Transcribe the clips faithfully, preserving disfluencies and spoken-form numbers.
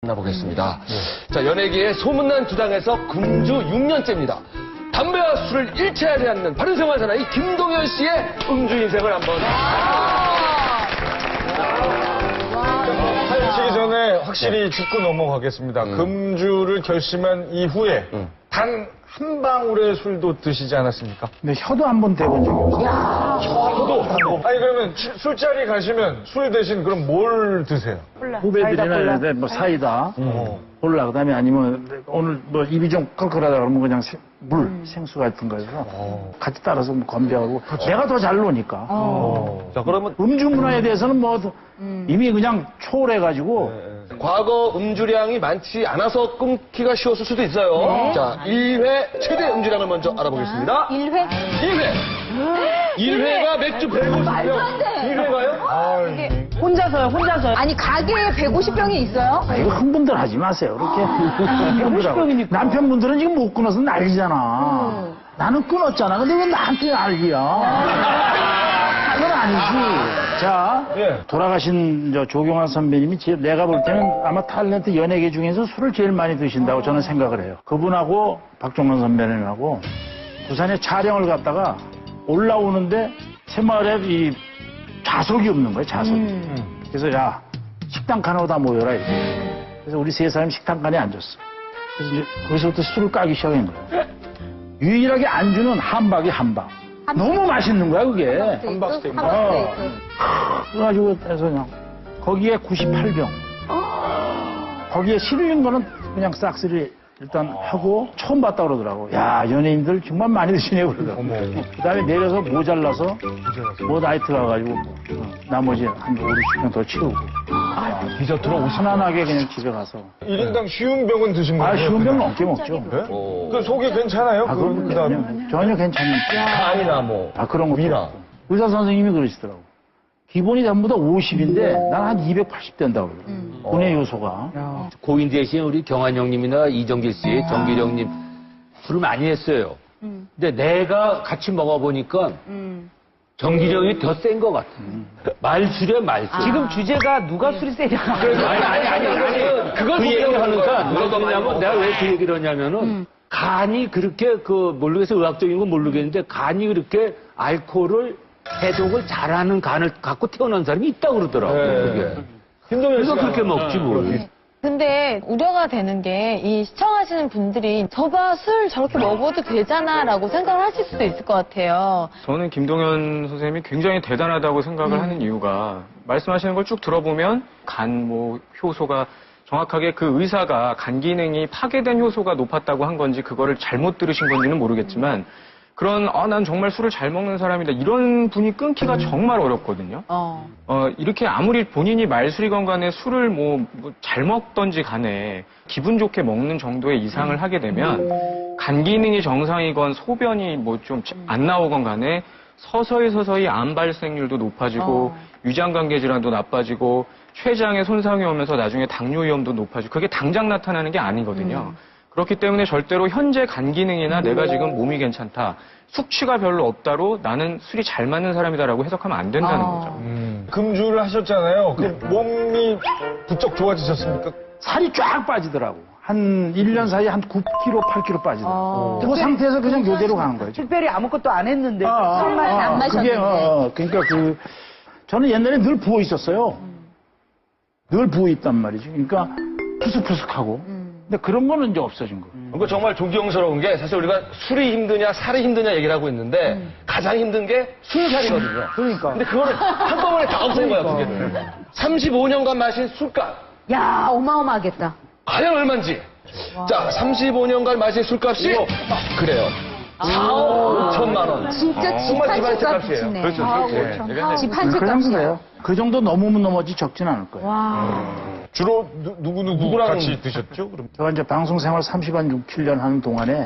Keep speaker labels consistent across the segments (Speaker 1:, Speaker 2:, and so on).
Speaker 1: 만나보겠습니다. 네. 자, 연예계의 소문난 주당에서 금주 육 년째입니다. 담배와 술을 일체하지 않는 바른 생활 사나이 김동현 씨의 음주 인생을 한번.
Speaker 2: 사연 치기 전에 확실히 짚고 넘어가겠습니다. 음. 금주를 결심한 이후에 음. 단 한 방울의 술도 드시지 않았습니까?
Speaker 3: 근데 혀도 한 번 대본 적이 없어요.
Speaker 2: 야, 혀도? 아니 그러면 술자리 가시면 술 대신 그럼 뭘 드세요?
Speaker 3: 콜라. 후배들이나 이런데 뭐 사이다, 음. 콜라, 그다음에 아니면 오늘 뭐 입이 좀 컬컬하다 그러면 그냥 생, 물, 음. 생수 같은 거에서 어. 같이 따라서 뭐 건배하고 그렇죠. 내가 더 잘 노니까. 어.
Speaker 1: 자, 그러면
Speaker 3: 음주 문화에 대해서는 뭐 음. 이미 그냥 초월해가지고.
Speaker 1: 네. 과거 음주량이 많지 않아서 끊기가 쉬웠을 수도 있어요. 네. 자, 일 회 최대 음주량을 먼저 알아보겠습니다.
Speaker 4: 일 회?
Speaker 1: 일 회. 일 회가 맥주 백오십 병. 일 회가요?
Speaker 4: 아, 이게 혼자서요, 혼자서요. 아니, 가게에 백오십 병이 있어요?
Speaker 3: 아, 이거 흥분들 하지 마세요. 그렇게. 백오십 병이니까. 남편분들은 지금 못 끊어서 난리잖아. 음. 나는 끊었잖아. 근데 왜 나한테 난리야? 그건 아니지. 자, 예. 돌아가신 저 조경환 선배님이 제, 내가 볼 때는 아마 탤런트 연예계 중에서 술을 제일 많이 드신다고 저는 생각을 해요. 그분하고 박종원 선배님하고 부산에 촬영을 갔다가 올라오는데 새마을에 이 좌석이 없는 거예요, 좌석이. 음. 그래서 야, 식당 칸으로 다 모여라 이렇게. 그래서 우리 세 사람이 식당 칸에 앉았어. 그래서 이제 거기서부터 술을 까기 시작한 거예요. 유일하게 안주는 함박이 함박. 너무 맛있는 거야, 그게.
Speaker 2: 함박 스테이크.
Speaker 3: 어. 그래가지고 해서 그냥 거기에 구십팔 병. 거기에 실린 거는 그냥 싹쓸이 일단 하고 처음 봤다 그러더라고. 야, 연예인들 정말 많이 드시네 그러더라고. 그 다음에 내려서 모자라서 뭐 나이트 가가지고 뭐, 어, 나머지 한 오십 병 더 채우고.
Speaker 1: 아, 디저트로 오십
Speaker 3: 편안하게 그냥 집에 가서.
Speaker 2: 일 인당 쉬운 병은 드신 거예요?
Speaker 3: 아, 쉬운 병은 넘게 먹죠.
Speaker 2: 네? 그 속이 괜찮아요?
Speaker 3: 아,
Speaker 2: 그,
Speaker 3: 그 다음에 전혀 괜찮으니까.
Speaker 1: 간이나 뭐.
Speaker 3: 아, 그런 거. 위나. 의사 선생님이 그러시더라고. 기본이 전부 다 오십인데 난 한 이백팔십 된다고 그래요. 음. 분해 요소가.
Speaker 5: 야. 고인 대신 우리 경환 형님이나 이정길 씨, 정길 형님 술을 많이 했어요. 음. 근데 내가 같이 먹어보니까 음. 정길 형이 더 센 것 같아. 음. 말술이야, 말술.
Speaker 6: 아. 지금 주제가 누가 술이 세냐.
Speaker 5: 아니, 아니, 아니, 아니. 그걸 그 얘기를 하니까 누가 그러냐면 내가 왜 그 얘기를 하냐면은 음. 간이 그렇게 그 모르겠어, 의학적인 건 모르겠는데 간이 그렇게 알코올을 해독을 잘하는 간을 갖고 태어난 사람이 있다고 그러더라고. 네. 그게. 그래서 그렇게 먹지 뭐. 네.
Speaker 4: 근데 우려가 되는 게 이 시청하시는 분들이 저봐 술 저렇게 먹어도 되잖아라고 생각을 하실 수도 있을 것 같아요.
Speaker 7: 저는 김동현 선생님이 굉장히 대단하다고 생각을 음. 하는 이유가 말씀하시는 걸 쭉 들어보면 간 뭐 효소가 정확하게 그 의사가 간 기능이 파괴된 효소가 높았다고 한 건지 그거를 잘못 들으신 건지는 모르겠지만 그런 아, 난 정말 술을 잘 먹는 사람이다 이런 분이 끊기가 정말 어렵거든요. 어. 어, 이렇게 아무리 본인이 말술이건 간에 술을 뭐 잘 먹던지 간에 기분 좋게 먹는 정도의 이상을 하게 되면 간 기능이 정상이건 소변이 뭐 좀 안 나오건 간에 서서히 서서히 암 발생률도 높아지고 어. 유장관계 질환도 나빠지고 췌장에 손상이 오면서 나중에 당뇨 위험도 높아지고 그게 당장 나타나는 게 아니거든요. 음. 그렇기 때문에 절대로 현재 간 기능이나 내가 지금 몸이 괜찮다, 숙취가 별로 없다로 나는 술이 잘 맞는 사람이다라고 해석하면 안 된다는 아. 거죠.
Speaker 2: 음. 금주를 하셨잖아요. 그 네. 몸이 부쩍 좋아지셨습니까?
Speaker 3: 살이 쫙 빠지더라고. 한 일 년 사이에 한 구 킬로그램, 팔 킬로그램 빠지더라고. 아. 그 상태에서 그냥 요대로 가는 거예요.
Speaker 6: 특별히 아무것도 안 했는데
Speaker 3: 아,
Speaker 4: 술만
Speaker 3: 아,
Speaker 4: 안 마셨는데.
Speaker 3: 그게, 어, 그러니까 그 저는 옛날에 늘 부어 있었어요. 음. 늘 부어 있단 말이죠. 그러니까 푸석푸석하고. 음. 근데 그런 거는 이제 없어진 거예요.
Speaker 1: 그러니까 정말 존경스러운 게 사실 우리가 술이 힘드냐 살이 힘드냐 얘기를 하고 있는데 음. 가장 힘든 게 술살이거든요.
Speaker 3: 그러니까.
Speaker 1: 근데 그거를 한꺼번에 다 없앤 거야, 그게. 삼십오 년간 마신 술값.
Speaker 4: 야, 어마어마하겠다.
Speaker 1: 과연 얼마인지. 와. 자, 삼십오 년간 마신 술값이 아, 그래요. 사억 오천만 원.
Speaker 4: 진짜 집 한 채 값이네.
Speaker 1: 그렇죠.
Speaker 4: 네. 집 한 채
Speaker 3: 그
Speaker 4: 값이에요.
Speaker 3: 정도예요. 그 정도 넘으면 넘어지 적진 않을 거예요.
Speaker 4: 와.
Speaker 2: 음. 주로 누, 누구 누구 누구랑 같이 드셨죠? 그럼
Speaker 3: 제가 이제 방송 생활 삼십칠 년 하는 동안에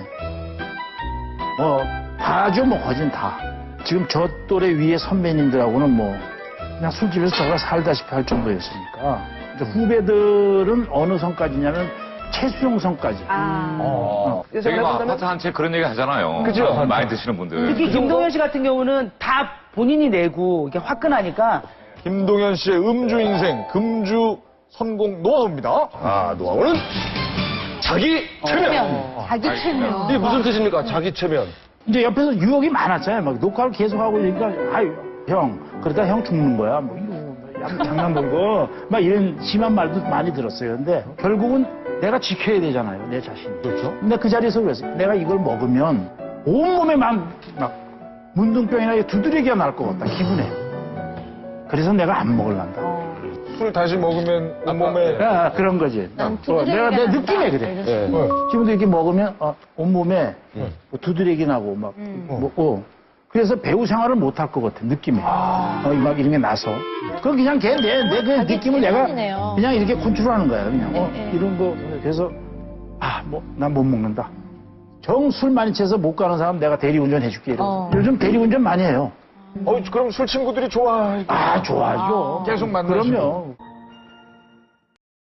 Speaker 3: 뭐 다죠, 뭐 거진 다. 지금 저 또래 위에 선배님들하고는 뭐 그냥 술집에서 제가 살다시피 할 정도였으니까 이제 후배들은 어느 선까지냐면 최수용선까지.
Speaker 6: 아.
Speaker 8: 어.
Speaker 6: 어.
Speaker 8: 저희 뭐 아파트 한 채 그런 얘기 하잖아요.
Speaker 1: 그죠?
Speaker 8: 많이 드시는 분들.
Speaker 6: 특히 김동현 씨 같은 경우는 다 본인이 내고 이게 화끈하니까.
Speaker 2: 김동현 씨의 음주 인생, 금주 성공 노하우입니다.
Speaker 1: 아, 노하우는 자기 최면.
Speaker 4: 최면. 자기 최면.
Speaker 1: 이게 무슨 뜻입니까? 자기 최면.
Speaker 3: 이제 옆에서 유혹이 많았잖아요. 막 녹화를 계속 하고 있으니까, 아유, 형, 그러다 형 죽는 거야. 뭐, 이거, 뭐, 양- 장난 걸고, 막 이런 심한 말도 많이 들었어요. 근데 결국은 내가 지켜야 되잖아요. 내 자신이.
Speaker 1: 그렇죠.
Speaker 3: 근데 그 자리에서 그랬어요. 내가 이걸 먹으면 온몸에 막, 막, 문둥병이나 두드러기가 날 것 같다. 기분에. 그래서 내가 안 먹을란다.
Speaker 2: 술 다시 먹으면 온몸에
Speaker 3: 아, 그런 거지.
Speaker 4: 난
Speaker 3: 어,
Speaker 4: 두드러기가
Speaker 3: 내가 내
Speaker 4: 난다.
Speaker 3: 느낌에 그래.
Speaker 1: 예.
Speaker 3: 지금도 이렇게 먹으면 어, 온몸에 뭐 두드러기 나고 막, 뭐, 어. 그래서 배우 생활을 못 할 것 같아 느낌에. 어, 막 이런 게 나서. 그 그냥 걔 내 내 그
Speaker 4: 자기
Speaker 3: 느낌을 내가
Speaker 4: 체면이네요.
Speaker 3: 그냥 이렇게 컨트롤하는 거야. 그냥 어,
Speaker 4: 네, 네.
Speaker 3: 이런 거. 그래서 아, 뭐 난 못 먹는다. 정 술 많이 취해서 못 가는 사람 내가 대리운전 해줄게. 이러고.
Speaker 4: 어.
Speaker 3: 요즘 대리운전 많이 해요.
Speaker 2: 어, 그럼 술 친구들이 좋아해.
Speaker 3: 아, 좋아하죠.
Speaker 2: 계속 만나시고.
Speaker 3: 그럼요.